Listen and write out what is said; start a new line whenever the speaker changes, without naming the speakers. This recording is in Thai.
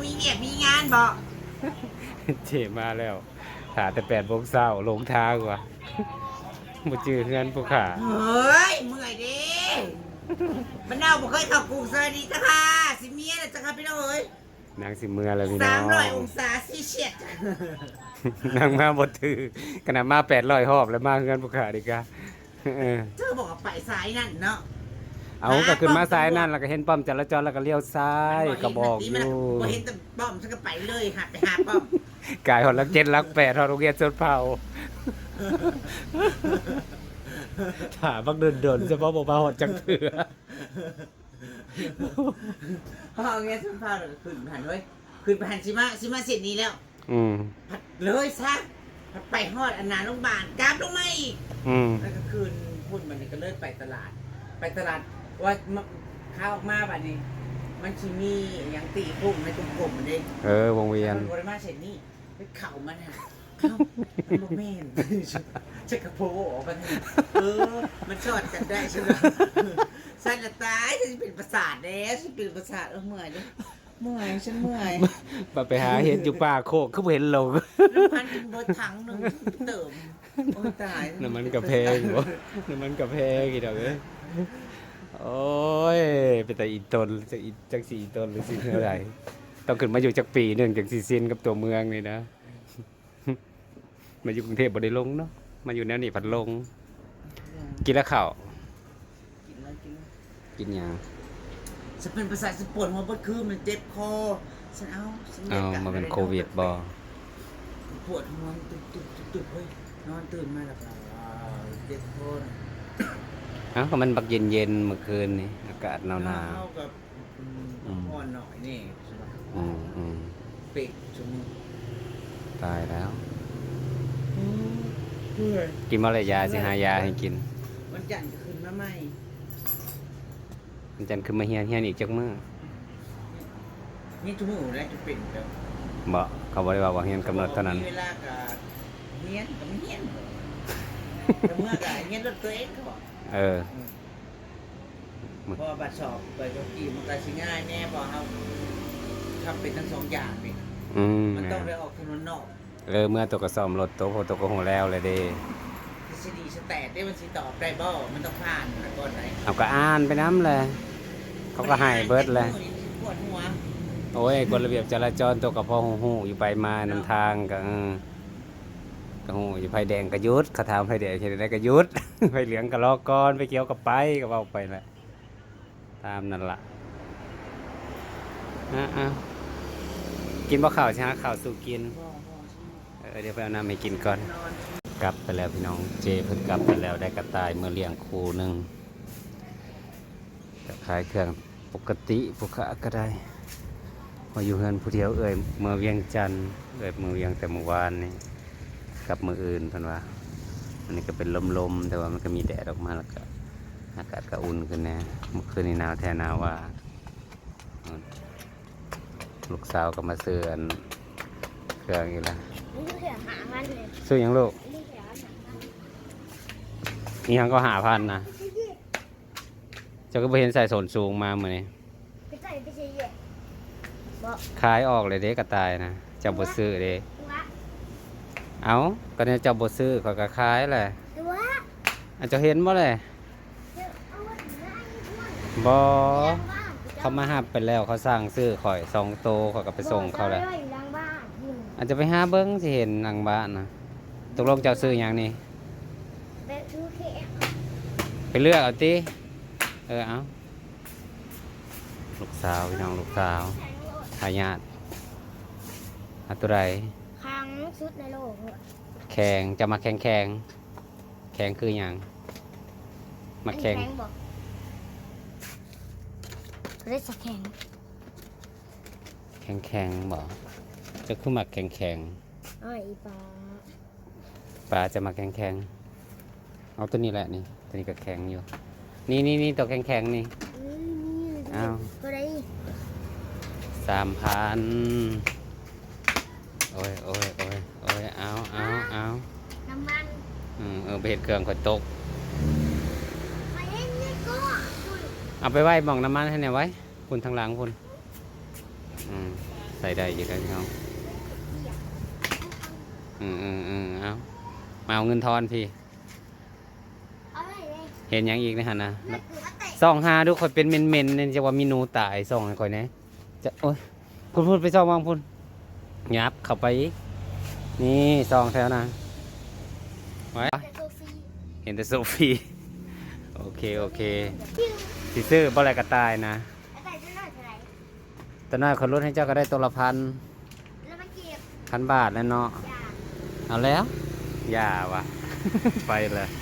มีเวียกมีงานบอก
เจมาแล้วหาแต่8 โมงเช้าลงทางว่ะบ่จื้อเฮือนผู้ขา
เฮ้ยเมื่อยดิมันเน่าบ่เคยเข้ากรุงสวัสดีจ้ะค่ะสิเมียนะจ้ะค่ะพี่น้องเอ้ย
นางสิเมื่อแล้วพี่น้อง
300 องศาซีเชียสจ้ะ
นางมาบ่ถือขนาดมา800 รอบแล้วมาเฮือนผู้ขาดีกะเออ
เธอบอกว่าไปสายนั่นเนาะ
เอาก็ขึ้นมาซ้ายนั่นแล้วก็เห็นป้อมจราจรแล้วก็เลี้ยวซ้ายก็บอกอยู่
บ่เห็นแต่ป้อมฉันก็ไปเลยหัดไปหาป้อม
กายหอดลัก7ลัก8ฮอดโรงเรียนสวนเผาถามบักเดินๆเฉพาะบ่มาฮอดจังเถือ
พ่อเงี้ยฉันพาเราขึ้นผ่านเลยขึ้นผ่านสิมาเสร็จนี้แล้ว
อืม
ผัดเลยซะผัดไปฮอดอันนาโรงพยาบาลกราบลงมาอีก
อืม
แล้วก็คืนพุ่นมันนี่ก็เลยไปตลาด ไปตลาดว่าข้าวออกมาบัดนี้ มันชิมีอย่างตีพุ่มในกลมๆมันเด้
วงเวียน
มันบริมาเสร็จนี่ไปเข่ามันอ่ะเอ้ามันบ่แม่นจะกระโปงออกมาเนี่ยมันชอดกันได้ใช่ไหมสันละตายฉันเป็นประสาทแล้วฉันเป็นประสาทเมื่อยดิเมื่อยฉันเมื่อย
ไปหาเห็ดอยู่ป่าโคกคือบ่เห็นลง
น้ำพันกินเบอร์ถังหนึ่งเติมโอ้ยตาย
น้ำมันกระเพงบ่น้ำมันกระเพงอีดอกเอ้ยโอ้ยเป็นแต่อีตนจัก4 ตนหรือสิเท่าไหร่ต้องขึ้นมาอยู่จักปีหนึงจังสิสิ้นกับตัวเมืองนี่นะ มาอยู่กรุงเทพบ่ได้ลงเนาะมาอยู่แนวนี้ผัดลง กินแล้วข้าว
กินแล้วกินแล้ว
กินหยัง
ฉันเป็นประสาทฉันปวดหัวเมื่อคืนมันเจ็บคอฉันฉัน
เอามาเป็นโควิดบ่
ปวดหัวตุบเฮ้ยนอนตื่นมาแล้วก็เจ็บคอน่ะ
เอ้าก็มันบักเย็นๆเมื่อคืนนี่อากาศหนาว
เท่ากับอ่อนหน่อยนี่ใช่ไหม
ๆอืม
เป็ดจมูก
ตายแล้ว
เพื่อ
กินมะระยาสิหายาให้กิน
วันจันทร์จะขึ้นมาใหม่
มันจันคือมาเฮียนอีกจักมื้อ
นี่จมูกแล้วจะเป็นแล้ว
บ่เขาบ่ได้ว่าเฮียนกำหนดเท่านั้น
มีเวลากับเฮียนกับไม่เฮียนแต่เมื่อกับเฮียนรถตัวเองเขาบอก
เออ
เพราะว่าบัตรสอบไปก็กี่มันก็สิง่ายแน่เพอเขาทำเป็นทั้งสองอย่างนี่
อืม
มันต้องได้ออกถนนนอก
เมื่อตัวก็ซ่อมรถตัวโพตัวก็โหแล้วเลยเด้
ทฤษฎีสแตทได้มันสิตอบได้บ่มันต้องผ่านมาก่อนไหน
เอาก็อ่านไปน้ำเลยเขาก็ให้เบิดเลย
ปวดหัว
โอ้ยกฎระเบียบจราจรตัวกับพ่อฮู้อยู่ไปมานำทางก็ก็ฮู้อยู่ไฟแดงก็หยุดเขาถามไฟแดงเฮ็ดได้ก็หยุด ไฟเหลืองก็รอก่อนไฟเขียวก็ไปก็เว้าไปแหละตามนั่นล่ะอ่ะกินบ่ข้าวใช่ฮะข้าวสู่กิน เดี๋ยวไปเอาน้ำให้กินก่อน
นอน
กลับไปแล้วพี่น้องเจเพิ่งกลับไปแล้วได้กระต่ายเมื่อเลี้ยงคู่หนึงจะขายเครื่องปกติผู้ค้าก็ได้มาอยู่เฮือนผู้เดียวเมื่อเวียงจันทน์เมื่อเวียงแต่เมื่อวานนี่กับมืออื่นเพิ่นว่าอันนี้ก็เป็นลมๆแต่ว่ามันก็มีแดดออกมาแล้วก็อากาศก็อุ่นขึ้นแน่เมื่อคืนนี้หนาวแท้หนาวว่าลูกสาวก็มาซื้ออันเครื่องอีกแล้ว
นี่เสียหามันเลย
ซื้อหยังลูก
นี่เสียหามัน
นี่ยังก็5,000นะเจ้าก็ไปเห็นใส่ส้นสูงมาเหมือนนี้
ไปใส่ไปใส่เยอะบอก
ขายออกเลยเด้กระต่ายนะเจ้าบ่ซื้อเด้
ตัว
เอาก็เนี่ยเจ้าบ่ซื้อเขาก็ขายแหละ
ตัว
อาจจะเห็นบ่เลย
เอาไว้ไหนวะ
บ่เขามาหับไปแล้วเขาสั่งซื้อข่อย2 โตเขาก็ไปส่งเขาแหละ
บอกอยู่หลังบ้านอยู่
อาจจะไปหาเบิ่งสิเห็นหลังบ้านนะตกลงเจ้าซื้อหยังนี่
ไปซื้อเค้ก
ไปเลือกเอาติเอาลูกสาวพี่น้องลูกสาว
แข็งโลด
ทายาทเอาตัวใด
ครั้งสุดในโลกเลย
แข่งจะมาแข่งคือหยังมาแข่ง
อันนี้บอกเล่นสะแข็ง
แข่งบ่จะคือมาแข่ง
อ้อยอีปลา
ปลาจะมาแข่งเอาตัวนี้แหละนี่ตัวนี้ก็แข็งอยู่นี่ตัวแข็งนี่
นี่
อ้าว
ก็ได้
3,000โอ้ยเอา
น้ำมัน
ไปเห็ดเครื่องข่อยตก
ไปเล่นนี่ก็
เอาไปไว้หม่องน้ำมันให้เนี่ยไว้คุณทางหลังคุณใส่ได้อยู่แล้วพี่น้องเอามาเอาเงินทอนพี่
เอาเลยเลย
เห็นหยังอีกนะฮะนะ
ไม่คือว่าเตะ
ซองหาดูค่อยเป็นเมนๆเนี่ยจะว่ามีหนูตายซองให้ค่อยนะจะโอ้ยพูดไปซองวางพุ่นยับเข้าไปอีกนี่ซองแถวนะไว้
แต่โซฟี
เห็นแต่โซฟีโอเค
จิ้ว
สิซื้อบ่อะไรก็ตายนะ
แล้วแต่จะหน่อยเท่าไหร่
แต่น้อยคนลดให้เจ้าก็ได้ตัวละพัน
แล้วมันเก็บ
1,000 บาทแล้วเนาะ
ยา
เอาแล้วอย่าวะ ไปเลย